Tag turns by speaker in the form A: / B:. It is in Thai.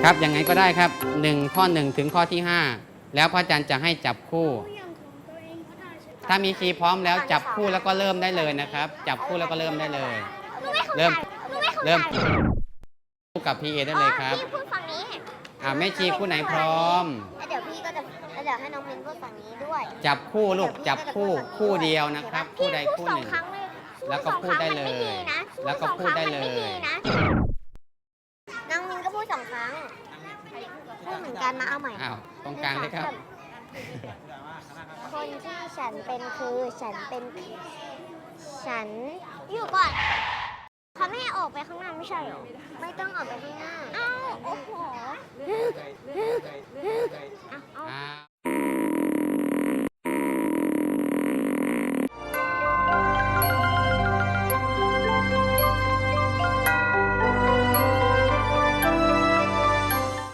A: ครับยังไงก็ได้ครับ1ข้อ1ถึงข้อที่5แล้วพระอาจารย์จะให้จับคู่ ถ้ามีคีย์พร้อมแล้วจับคู่แล้วก็เริ่มได้เลยนะครับ จับคู่แล้วก็เริ่มได้เลย เริ่มคู่กับพีเอได้เลยครับ
B: พี่พูดฝั่งนี้
A: แม่ชีคู่ไหนพร้อม
B: แล้วเดี๋ยวพี่ก็จะแล้วเดี๋ยวให้น้องมินพูดฝั่งนี้ด้วย
A: จับคู่ลูกจับคู่เดียวนะครับคู่ใดคู่หนึ่ง
B: พี่พูดสอครั้เลย
A: แล้วก็พูดได้เลย แล้วก็พูดได้เลย
B: น้องมินก็พูด2 ครั้งพูดเหมือนกันนะเอาใหม่
A: อ้าวตรงกลางเลยครับ
B: คนที่ฉันเป็นคือฉันอยู่ก่อนเขาไม่ให้ออกไปข้างหน้าไม่ใช่หรอไม่ต้องออกไปข้างหน้าอ้าวโอ้โห